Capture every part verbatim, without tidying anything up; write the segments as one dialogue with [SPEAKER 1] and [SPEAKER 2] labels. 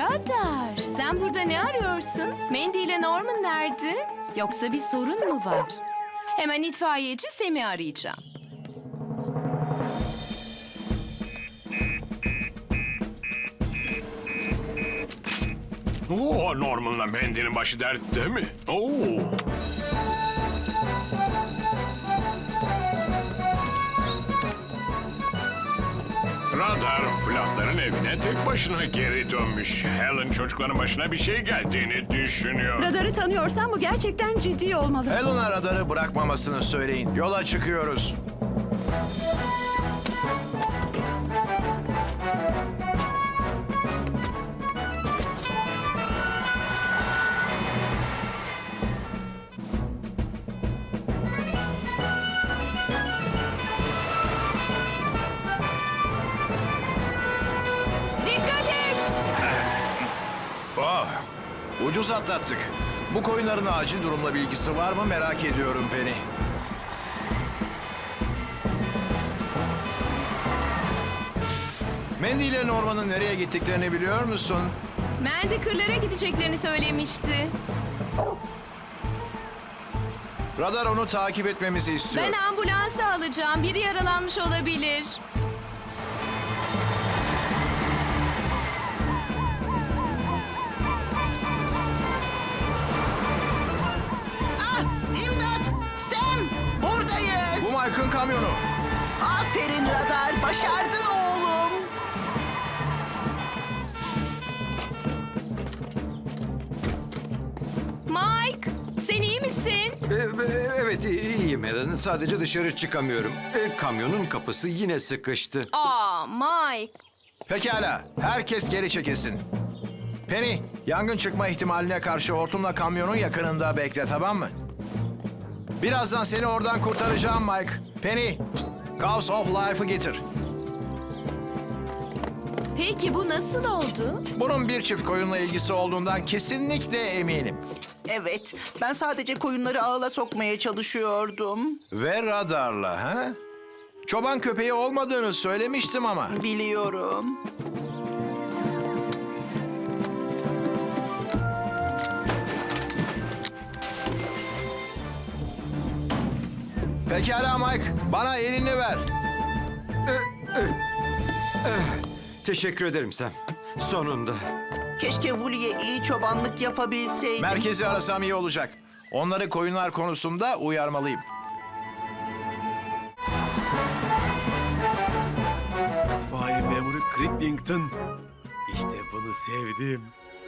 [SPEAKER 1] Radar, sen burada ne arıyorsun? Mandy ile Norman nerede? Yoksa bir sorun mu var? Hemen itfaiyeci Sam'i arayacağım.
[SPEAKER 2] Oo, Norman'la Mandy'nin başı dertte mi? Oo. Radar, Flatların evine tek başına geri dönmüş. Helen çocukların başına bir şey geldiğini düşünüyor.
[SPEAKER 3] Radarı tanıyorsan bu gerçekten ciddi olmalı.
[SPEAKER 4] Helen'a radarı bırakmamasını söyleyin. Yola çıkıyoruz.
[SPEAKER 3] Dikkat et!
[SPEAKER 4] Oh, ucuz atlattık. Bu koyunların acil durumla bilgisi var mı merak ediyorum Penny. Mandy ile Norman'ın nereye gittiklerini biliyor musun?
[SPEAKER 1] Mandy kırlara gideceklerini söylemişti.
[SPEAKER 4] Radar onu takip etmemizi istiyor.
[SPEAKER 1] Ben ambulansı alacağım. Biri yaralanmış olabilir.
[SPEAKER 5] Ah, İmdat! Sam! Buradayız!
[SPEAKER 4] Bu Mike'ın kamyonu.
[SPEAKER 5] Aferin Radar, başardın oğlum.
[SPEAKER 1] Mike, sen iyi misin?
[SPEAKER 6] E, e, Evet iyiyim Helen. Sadece dışarı çıkamıyorum. E, kamyonun kapısı yine sıkıştı.
[SPEAKER 1] Aa, Mike.
[SPEAKER 4] Pekala, herkes geri çekilsin. Penny, yangın çıkma ihtimaline karşı hortumla kamyonun yakınında bekle, tamam mı? Birazdan seni oradan kurtaracağım Mike. Penny, Cause of Life'ı getir.
[SPEAKER 1] Peki bu nasıl oldu?
[SPEAKER 4] Bunun bir çift koyunla ilgisi olduğundan kesinlikle eminim.
[SPEAKER 5] Evet, ben sadece koyunları ağla sokmaya çalışıyordum.
[SPEAKER 4] Ve radarla, ha? Çoban köpeği olmadığını söylemiştim ama.
[SPEAKER 5] Biliyorum.
[SPEAKER 4] Pekala Mike, bana elini ver.
[SPEAKER 6] Teşekkür ederim Sam. Sonunda.
[SPEAKER 5] Keşke Woolly'e iyi çobanlık yapabilseydim.
[SPEAKER 4] Merkezi arasam iyi olacak. Onları koyunlar konusunda uyarmalıyım.
[SPEAKER 7] İtfaiye memuru Cricklington. İşte bunu sevdim.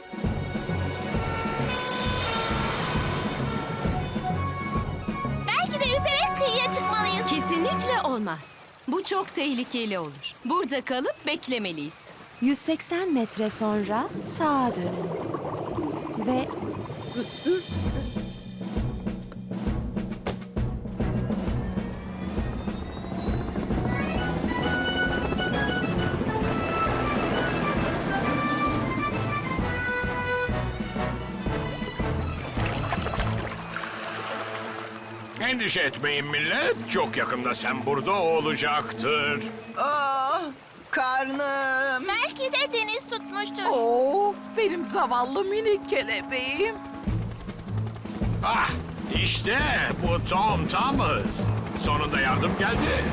[SPEAKER 8] Belki de yüzerek kıyıya çıkmalıyız.
[SPEAKER 1] Kesinlikle olmaz. Bu çok tehlikeli olur. Burada kalıp beklemeliyiz.
[SPEAKER 3] yüz seksen metre sonra sağa dönün. Ve
[SPEAKER 2] Endişe etmeyin millet. Çok yakında sen burada olacaktır.
[SPEAKER 5] Ah, karnım.
[SPEAKER 8] Belki de deniz tutmuştur.
[SPEAKER 5] Oh, benim zavallı minik kelebeğim.
[SPEAKER 2] Ah, işte bu Tom Thomas. Sonunda yardım geldi.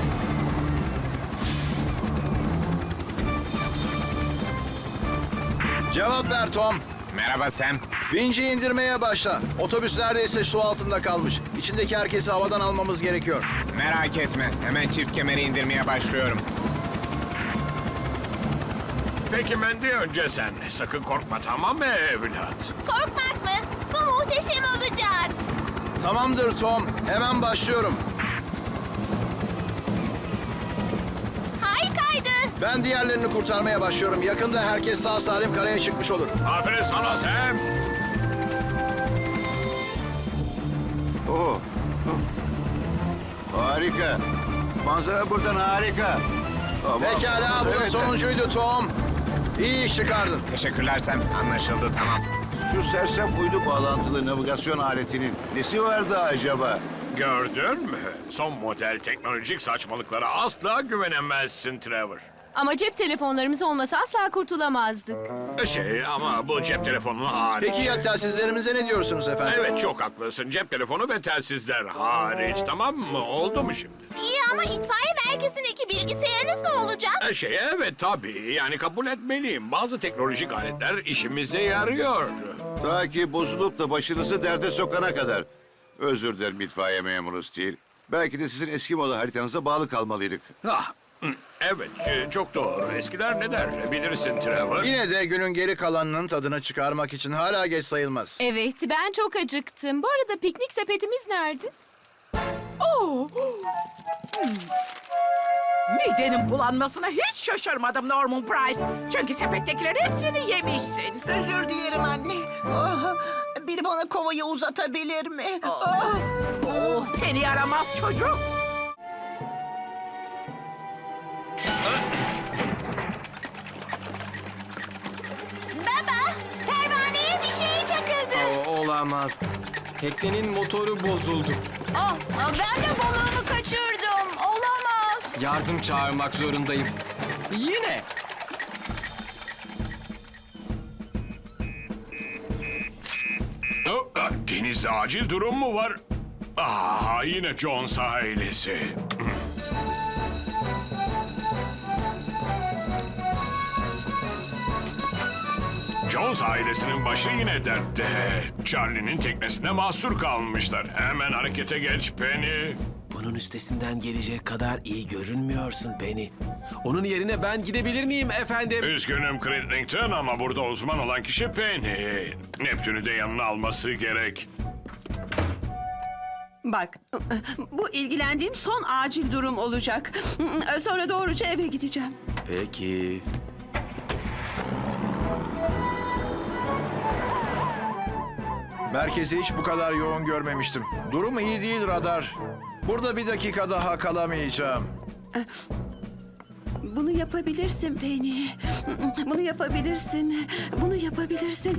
[SPEAKER 4] Cevap ver Tom.
[SPEAKER 9] Merhaba Sam.
[SPEAKER 4] Vinci indirmeye başla. Otobüs neredeyse su altında kalmış. İçindeki herkesi havadan almamız gerekiyor.
[SPEAKER 9] Merak etme. Hemen çift kemeri indirmeye başlıyorum.
[SPEAKER 2] Peki Mandy, önce sen. Sakın korkma, tamam mı evlat?
[SPEAKER 8] Korkmak mı? Bu muhteşem olacak.
[SPEAKER 4] Tamamdır Tom. Hemen başlıyorum.
[SPEAKER 8] Harikaydı.
[SPEAKER 4] Ben diğerlerini kurtarmaya başlıyorum. Yakında herkes sağ salim karaya çıkmış olur.
[SPEAKER 2] Aferin sana Sam.
[SPEAKER 10] Oo. Harika. Manzara buradan harika. Aman,
[SPEAKER 4] Pekala, bu da
[SPEAKER 10] evet.
[SPEAKER 4] sonuncuydu Tom. İyi iş çıkardın.
[SPEAKER 9] Teşekkürler Sam. Anlaşıldı, tamam.
[SPEAKER 10] Şu sersem uydu bağlantılı navigasyon aletinin nesi vardı acaba?
[SPEAKER 2] Gördün mü? Son model teknolojik saçmalıklara asla güvenemezsin Trevor.
[SPEAKER 1] Ama cep telefonlarımız olmasa asla kurtulamazdık.
[SPEAKER 2] Şey ama bu cep telefonu hariç.
[SPEAKER 4] Peki ya telsizlerimize ne diyorsunuz efendim?
[SPEAKER 2] Evet çok haklısın. Cep telefonu ve telsizler hariç, tamam mı? Oldu mu şimdi?
[SPEAKER 8] İyi ama itfaiye merkezindeki bilgisayarınız ne olacak?
[SPEAKER 2] E, Şey evet tabii. Yani kabul etmeliyim. Bazı teknolojik aletler işimize yarıyor.
[SPEAKER 10] Ta ki bozulup da başınızı derde sokana kadar. Özür dilerim itfaiye memuru Steel. Belki de sizin eski moda haritanıza bağlı kalmalıydık.
[SPEAKER 2] Ah, hı, evet e, çok doğru. Eskiler ne der bilirsin Trevor.
[SPEAKER 4] Yine de günün geri kalanının tadını çıkarmak için hala geç sayılmaz.
[SPEAKER 1] Evet, ben çok acıktım. Bu arada piknik sepetimiz nerede?
[SPEAKER 11] Midenin bulanmasına hiç şaşırmadım Norman Price. Çünkü sepettekilerin hepsini yemişsin.
[SPEAKER 5] Özür dilerim anne. Ah, biri bana kovayı uzatabilir mi? Ah.
[SPEAKER 11] Oh, seni yaramaz çocuk.
[SPEAKER 8] Baba, pervaneye bir şey takıldı.
[SPEAKER 7] olamaz. Teknenin motoru bozuldu.
[SPEAKER 8] Oh, ben de balığımı kaçırdım. Olamaz.
[SPEAKER 7] Yardım çağırmak zorundayım. Yine.
[SPEAKER 2] Oh, ah, denizde acil durum mu var? Ah, yine Jones ailesi. Jones ailesinin başı yine dertte. Charlie'nin teknesinde mahsur kalmışlar. Hemen harekete geç Penny.
[SPEAKER 7] Bunun üstesinden gelecek kadar iyi görünmüyorsun Penny. Onun yerine ben gidebilir miyim efendim?
[SPEAKER 2] Üzgünüm Crinklington ama burada uzman olan kişi Penny. Neptün'ü de yanına alması gerek.
[SPEAKER 11] Bak, bu ilgilendiğim son acil durum olacak. Sonra doğruca eve gideceğim.
[SPEAKER 7] Peki.
[SPEAKER 4] Merkezi hiç bu kadar yoğun görmemiştim. Durum iyi değil radar. Burada bir dakika daha kalamayacağım.
[SPEAKER 11] Bunu yapabilirsin Penny. Bunu yapabilirsin. Bunu yapabilirsin.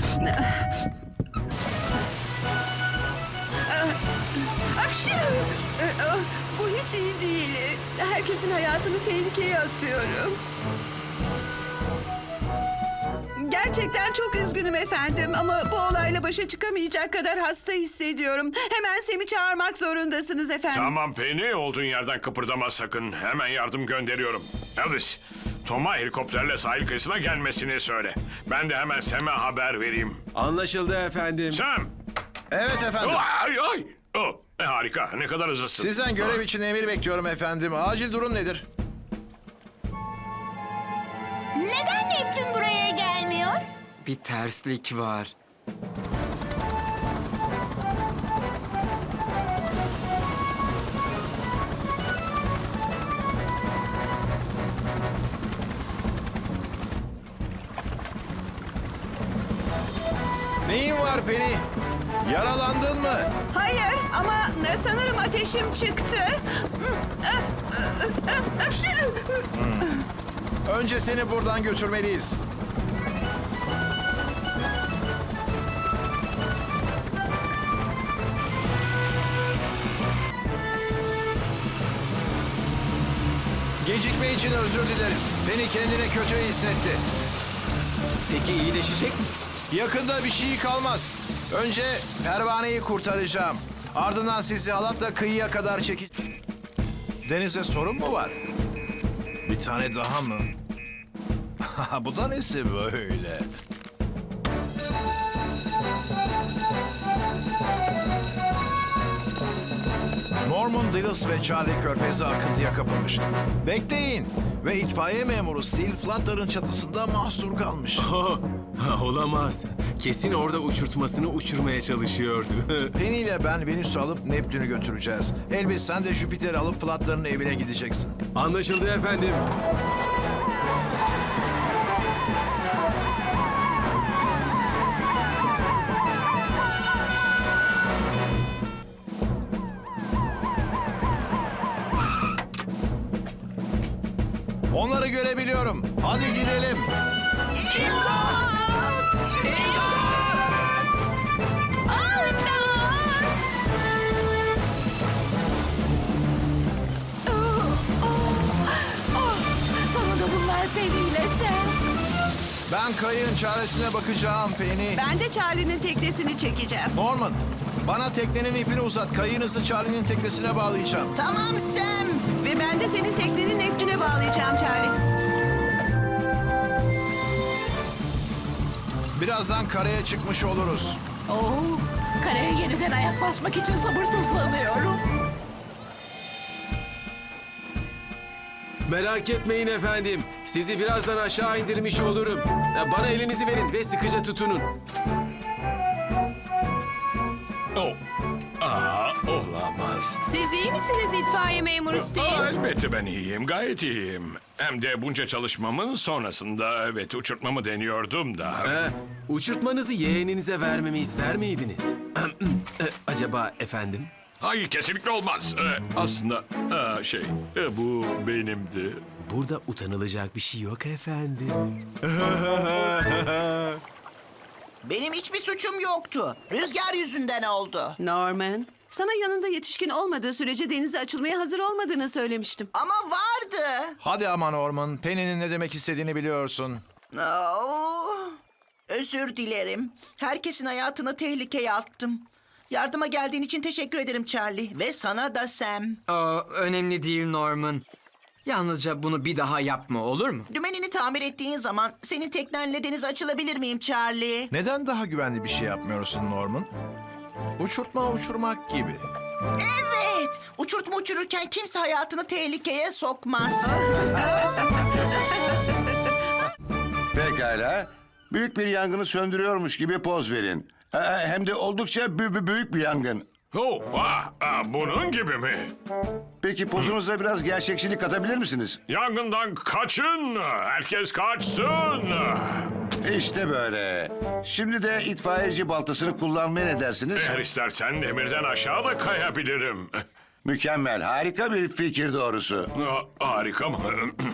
[SPEAKER 11] Apşi! Bu hiç iyi değil. Herkesin hayatını tehlikeye atıyorum. Gerçekten çok üzgünüm efendim ama bu olayla başa çıkamayacak kadar hasta hissediyorum. Hemen Sem'i çağırmak zorundasınız efendim.
[SPEAKER 2] Tamam Penny, olduğun yerden kıpırdama sakın. Hemen yardım gönderiyorum. Elvis, Tom'a helikopterle sahil kıyısına gelmesini söyle. Ben de hemen Sam'e haber vereyim.
[SPEAKER 7] Anlaşıldı efendim.
[SPEAKER 2] Sam!
[SPEAKER 4] Evet efendim.
[SPEAKER 2] Ay ay! Oh, e, harika, ne kadar hızlısın.
[SPEAKER 4] Sizden görev için emir bekliyorum efendim. Acil durum nedir?
[SPEAKER 8] Neden Neptün buraya gelmiyor?
[SPEAKER 7] Bir terslik var.
[SPEAKER 4] Neyin var Penny? Yaralandın mı?
[SPEAKER 11] Hayır ama sanırım ateşim çıktı. Apşi!
[SPEAKER 4] Önce seni buradan götürmeliyiz. Gecikme için özür dileriz. Penny kendini kötü hissetti.
[SPEAKER 7] Peki iyileşecek mi?
[SPEAKER 4] Yakında bir şey kalmaz. Önce pervaneyi kurtaracağım. Ardından sizi halatla kıyıya kadar çeki... Denize sorun mu var? Bir tane daha mı? Bu da nesi böyle? Norman, Dillis ve Charlie körfeze akıntıya kapılmış. Bekleyin! Ve itfaiye memuru Steel Flutter'ın çatısında mahsur kalmış.
[SPEAKER 7] Olamaz. Kesin orada uçurtmasını uçurmaya çalışıyordu.
[SPEAKER 4] Penny ile ben Venüs'ü alıp Neptün'ü götüreceğiz. Elvis sen de Jüpiter'i alıp Flutter'ın evine gideceksin.
[SPEAKER 7] Anlaşıldı efendim.
[SPEAKER 4] Onları görebiliyorum. Hadi gidelim.
[SPEAKER 1] Sonunda bunlar
[SPEAKER 4] Ben kayığın çaresine bakacağım Penny.
[SPEAKER 11] Ben de Charlie'nin teknesini çekeceğim.
[SPEAKER 4] Norman, bana teknenin ipini uzat. Kayığınızı Charlie'nin teknesine bağlayacağım.
[SPEAKER 5] Tamam Sam.
[SPEAKER 11] Ve ben de senin teknenin Neptün'e bağlayacağım Charlie.
[SPEAKER 4] Birazdan karaya çıkmış oluruz.
[SPEAKER 8] Oo, karaya yeniden ayak basmak için sabırsızlanıyorum.
[SPEAKER 7] Merak etmeyin efendim. Sizi birazdan aşağı indirmiş olurum. Ya, bana elinizi verin ve sıkıca tutunun.
[SPEAKER 2] Oh. Aa, olamaz.
[SPEAKER 1] Siz iyi misiniz itfaiye memuru
[SPEAKER 2] Aa,
[SPEAKER 1] Steve?
[SPEAKER 2] elbette ben iyiyim, gayet iyiyim. Hem de bunca çalışmamın sonrasında evet uçurtmamı deniyordum da.
[SPEAKER 7] Ee, uçurtmanızı yeğeninize vermemi ister miydiniz? Ee, Acaba efendim?
[SPEAKER 2] Hayır, kesinlikle olmaz. Ee, aslında aa, şey e, bu benimdi.
[SPEAKER 7] Burada utanılacak bir şey yok efendim.
[SPEAKER 5] Benim hiçbir suçum yoktu. Rüzgar yüzünden oldu.
[SPEAKER 11] Norman, sana yanında yetişkin olmadığı sürece denize açılmaya hazır olmadığını söylemiştim.
[SPEAKER 5] Ama vardı.
[SPEAKER 4] Hadi ama Norman, Penny'nin ne demek istediğini biliyorsun.
[SPEAKER 5] Oo, özür dilerim. Herkesin hayatını tehlikeye attım. Yardıma geldiğin için teşekkür ederim Charlie. Ve sana da Sam.
[SPEAKER 12] Aa, önemli değil Norman. Yalnızca bunu bir daha yapma, olur mu?
[SPEAKER 5] Dümenini tamir ettiğin zaman senin teknenle denize açılabilir miyim Charlie?
[SPEAKER 4] Neden daha güvenli bir şey yapmıyorsun Norman? Uçurtma uçurmak gibi.
[SPEAKER 5] Evet. Uçurtma uçururken kimse hayatını tehlikeye sokmaz.
[SPEAKER 10] Pekala. Büyük bir yangını söndürüyormuş gibi poz verin. Ee, Hem de oldukça bü- bü- büyük bir yangın.
[SPEAKER 2] Oh, ah, ah, bunun gibi mi?
[SPEAKER 10] Peki pozunuza biraz gerçekçilik katabilir misiniz?
[SPEAKER 2] Yangından kaçın, herkes kaçsın.
[SPEAKER 10] İşte böyle. Şimdi de itfaiyeci baltasını kullanmaya ne dersiniz?
[SPEAKER 2] Eğer istersen demirden aşağı da kayabilirim.
[SPEAKER 10] Mükemmel, harika bir fikir doğrusu.
[SPEAKER 2] Ah, harika mı?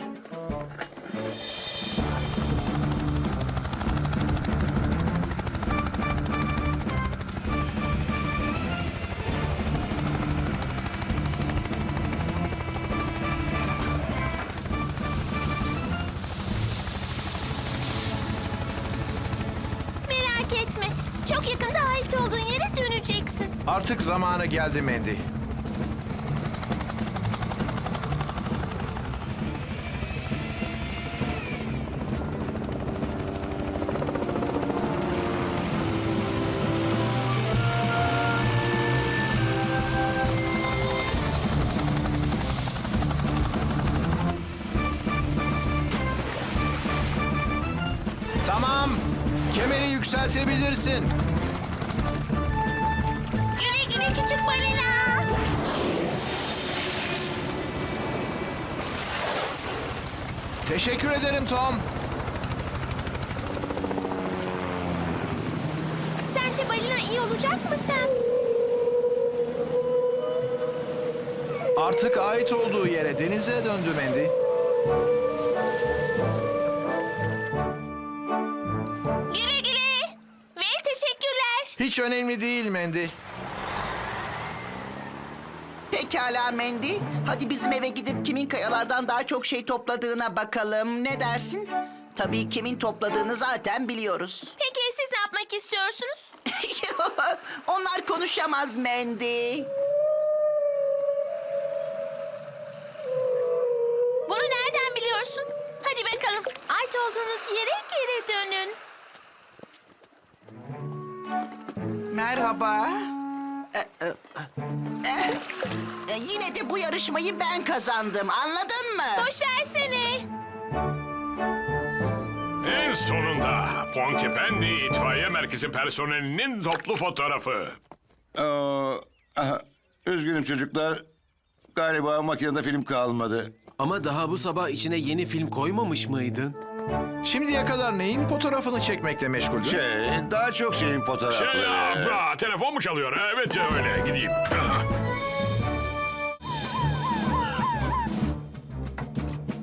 [SPEAKER 8] Merak etme. Çok yakında ait olduğun yere döneceksin.
[SPEAKER 4] Artık zamanı geldi Mandy. Tamam, kemeri yükseltebilirsin.
[SPEAKER 8] Güle güle küçük balina.
[SPEAKER 4] Teşekkür ederim Tom.
[SPEAKER 8] Sence balina iyi olacak mı Sam?
[SPEAKER 4] Artık ait olduğu yere denize döndü Mandy.
[SPEAKER 8] Güle güle. Ve teşekkürler.
[SPEAKER 4] Hiç önemli değil Mandy.
[SPEAKER 5] Pekala Mandy. Hadi bizim eve gidip kimin kayalardan daha çok şey topladığına bakalım. Ne dersin? Tabii kimin topladığını zaten biliyoruz.
[SPEAKER 8] Peki siz ne yapmak istiyorsunuz?
[SPEAKER 5] Onlar konuşamaz Mandy.
[SPEAKER 8] Bunu nereden biliyorsun? Hadi bakalım. Ait olduğunuz yere geri dönün.
[SPEAKER 5] Merhaba. Ee, e, e, e, yine de bu yarışmayı ben kazandım. Anladın mı?
[SPEAKER 8] Boş versene.
[SPEAKER 2] En sonunda Pontypandy İtfaiye Merkezi personelinin toplu fotoğrafı.
[SPEAKER 10] Ee, aha, üzgünüm çocuklar. Galiba makinede film kalmadı.
[SPEAKER 7] Ama daha bu sabah içine yeni film koymamış mıydın?
[SPEAKER 4] Şimdiye kadar neyin fotoğrafını çekmekle meşguldün?
[SPEAKER 10] Şey, daha çok şeyin fotoğrafları.
[SPEAKER 2] Şey, ya, bra, telefon mu çalıyor? Evet öyle, gideyim.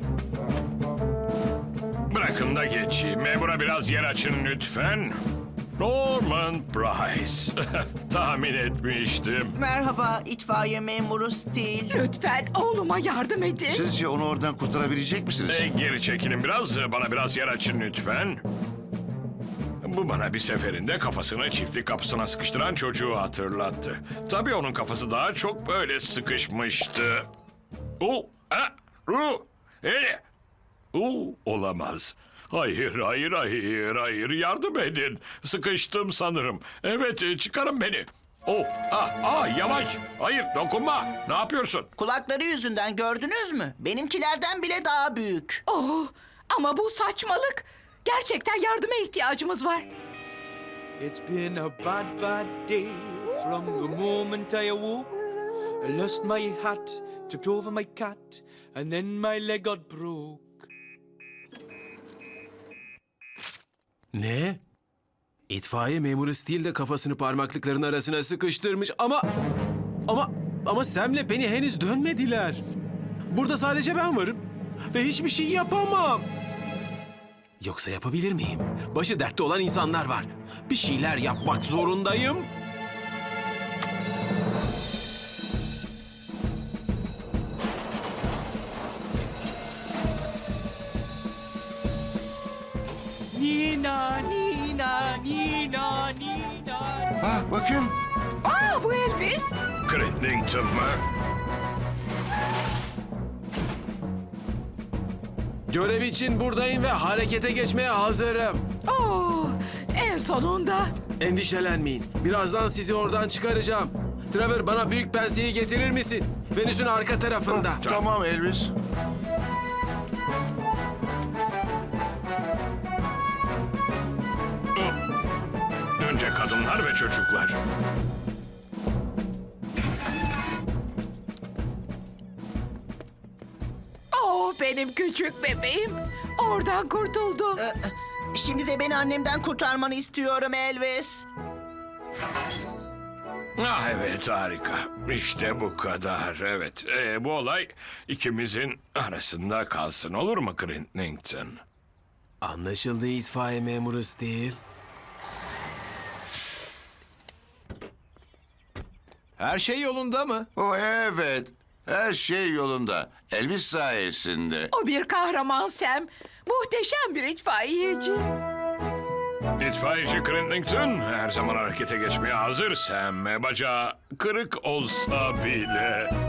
[SPEAKER 2] Bırakın da geçeyim. Memura biraz yer açın lütfen. Norman Price. Tahmin etmiştim.
[SPEAKER 5] Merhaba itfaiye memuru Steel.
[SPEAKER 11] Lütfen oğluma yardım edin.
[SPEAKER 10] Sizce onu oradan kurtarabilecek misiniz?
[SPEAKER 2] E, geri çekilin biraz. Bana biraz yer açın lütfen. Bu bana bir seferinde kafasını çiftlik kapısına sıkıştıran çocuğu hatırlattı. Tabii onun kafası daha çok böyle sıkışmıştı. O, a, ru, e, o, olamaz. Hayır, hayır, hayır, hayır. Yardım edin. Sıkıştım sanırım. Evet, e, çıkarın beni. Oh, ah, ah, yavaş. Hayır, dokunma. Ne yapıyorsun?
[SPEAKER 5] Kulakları yüzünden gördünüz mü? Benimkilerden bile daha büyük.
[SPEAKER 11] Oh, ama bu saçmalık. Gerçekten yardıma ihtiyacımız var.
[SPEAKER 13] It's been a bad, bad day from the moment I awoke. I lost my hat, tripped over my cat, and then my leg got broke.
[SPEAKER 7] Ne? İtfaiye memuru Steel de kafasını parmaklıkların arasına sıkıştırmış ama... Ama... Ama Sam'le Penny henüz dönmediler. Burada sadece ben varım. Ve hiçbir şey yapamam. Yoksa yapabilir miyim? Başı dertte olan insanlar var. Bir şeyler yapmak zorundayım.
[SPEAKER 13] Nina, Nina, Nina, Nina.
[SPEAKER 10] Ah bakın.
[SPEAKER 11] Aa, bu Elvis.
[SPEAKER 2] Crittington mı?
[SPEAKER 7] Görev için buradayım ve harekete geçmeye hazırım.
[SPEAKER 11] Oh, en sonunda.
[SPEAKER 7] Endişelenmeyin. Birazdan sizi oradan çıkaracağım. Trevor, bana büyük penseyi getirir misin? Venüs'ün arka tarafında.
[SPEAKER 10] Tamam Elvis.
[SPEAKER 2] Önce kadınlar ve çocuklar.
[SPEAKER 11] Oh, benim küçük bebeğim. Oradan kurtuldu.
[SPEAKER 5] Ee, Şimdi de beni annemden kurtarmanı istiyorum Elvis.
[SPEAKER 2] Ah evet, harika. İşte bu kadar. Evet, Ee, bu olay ikimizin arasında kalsın, olur mu Crittington?
[SPEAKER 7] Anlaşıldı itfaiye memuru Steel.
[SPEAKER 4] Her şey yolunda mı?
[SPEAKER 10] O evet. Her şey yolunda. Elvis sayesinde.
[SPEAKER 11] O bir kahraman Sam. Muhteşem bir itfaiyeci.
[SPEAKER 2] İtfaiyeci Crittington her zaman harekete geçmeye hazır Sam. Bacağı kırık olsa bile.